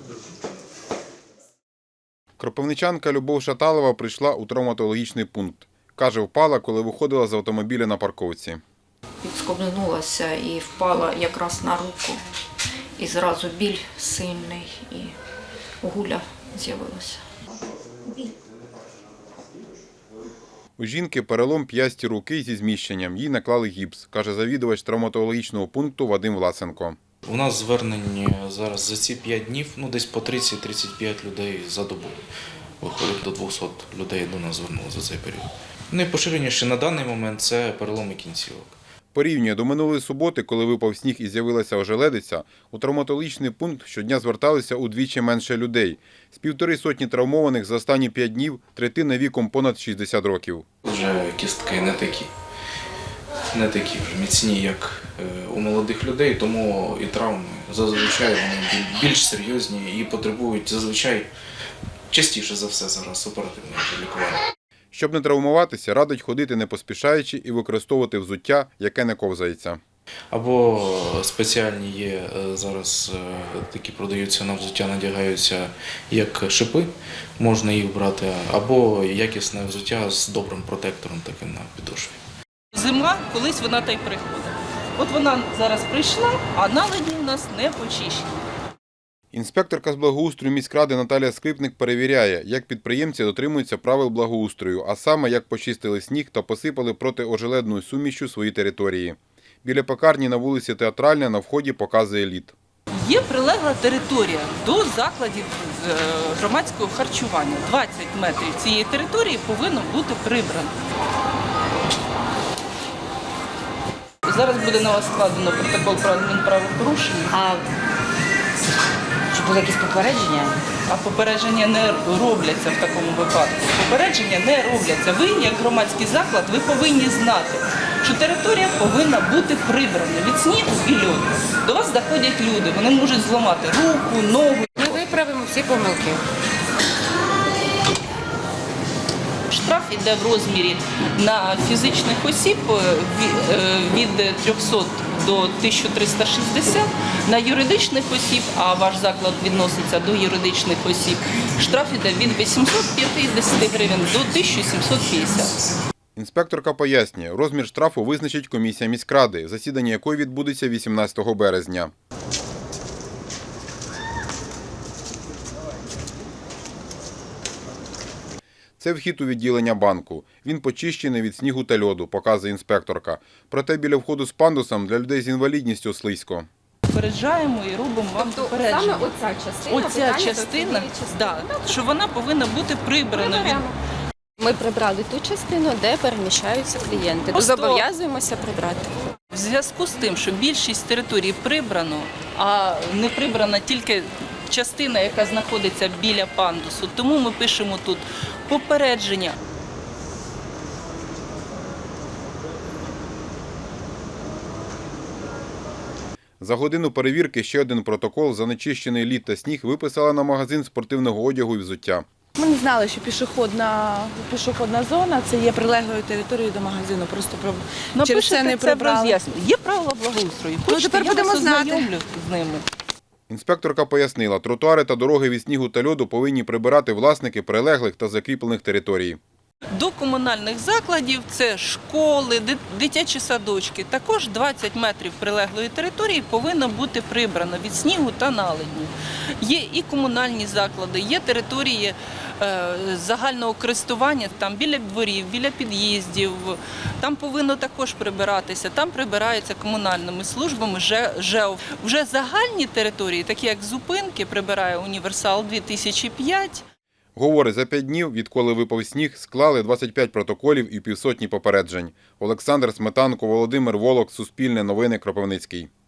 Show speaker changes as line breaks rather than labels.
Кропивничанка Любов Шаталова прийшла у травматологічний пункт. Каже, впала, коли виходила з автомобіля на парковці.
Відскобнулася і впала якраз на руку. І зразу біль сильний, і гуля з'явилася.
У жінки перелом п'ясті руки зі зміщенням. Їй наклали гіпс, каже завідувач травматологічного пункту Вадим Власенко.
У нас звернень зараз за ці 5 днів, десь по 30-35 людей за добу. Виходить, до 200 людей до нас звернулося за цей період. Найпоширеніше на даний момент – це переломи кінцівок.
Порівнює до минулої суботи, коли випав сніг і з'явилася ожеледиця, у травматологічний пункт щодня зверталися удвічі менше людей. З 150 травмованих за останні 5 днів третина віком понад 60 років.
Вже кістки не такі вже міцні, як у молодих людей, тому і травми зазвичай вони більш серйозні і потребують зазвичай частіше за все зараз оперативного лікування.
Щоб не травмуватися, радить ходити не поспішаючи і використовувати взуття, яке не ковзається.
Або спеціальні є зараз, такі продаються на взуття, надягаються як шипи, можна їх брати, або якісне взуття з добрим протектором таким на підошві.
Зима, колись вона та й приходить. От вона зараз прийшла, а наледі у нас не почищені.
Інспекторка з благоустрою міськради Наталія Скрипник перевіряє, як підприємці дотримуються правил благоустрою, а саме, як почистили сніг та посипали протиожеледною сумішчю свої території. Біля пекарні на вулиці Театральна на вході показує лід.
Є прилегла територія до закладів громадського харчування. 20 метрів цієї території повинно бути прибрано. Зараз буде на вас складено протокол про адмінправопорушення.
А чи були якісь попередження?
А попередження не робляться в такому випадку. Попередження не робляться. Ви, як громадський заклад, ви повинні знати, що територія повинна бути прибрана від снігу і льоду. До вас заходять люди, вони можуть зламати руку, ногу.
Ми виправимо всі помилки.
Штраф йде в розмірі на фізичних осіб від 300 до 1360, на юридичних осіб, а ваш заклад відноситься до юридичних осіб, штраф йде від 850 гривень до 1750.
Інспекторка пояснює, розмір штрафу визначить комісія міськради, засідання якої відбудеться 18 березня. Це вхід у відділення банку. Він почищений від снігу та льоду, показує інспекторка. Проте біля входу з пандусом для людей з інвалідністю слизько.
Попереджаємо і робимо вам попередження.
Саме оця частина,
Оця частина, да, що вона повинна бути прибрана.
Ми прибрали ту частину, де переміщаються клієнти. Зобов'язуємося прибрати.
В зв'язку з тим, що більшість територій прибрано, а не прибрана тільки частина, яка знаходиться біля пандусу, тому ми пишемо тут попередження.
За годину перевірки ще один протокол за нечищений лід та сніг виписала на магазин спортивного одягу і взуття.
Ми не знали, що пішохідна зона – це є прилеглою територією до магазину. Просто через це не прибрали.
Є правила благоустрою. Хочете,
тепер
я вас
будемо знати.
ознайомлю з ними.
Інспекторка пояснила, тротуари та дороги від снігу та льоду повинні прибирати власники прилеглих та закріплених територій.
До комунальних закладів – це школи, дитячі садочки. Також 20 метрів прилеглої території повинно бути прибрано від снігу та наледню. Є і комунальні заклади, є території загального користування, там біля дворів, біля під'їздів. Там повинно також прибиратися, там прибираються комунальними службами ЖЕО. Вже загальні території, такі як зупинки, прибирає Універсал 2005.
Говорить, за 5 днів, відколи випав сніг, склали 25 протоколів і півсотні попереджень. Олександр Сметанко, Володимир Волок, Суспільне новини, Кропивницький.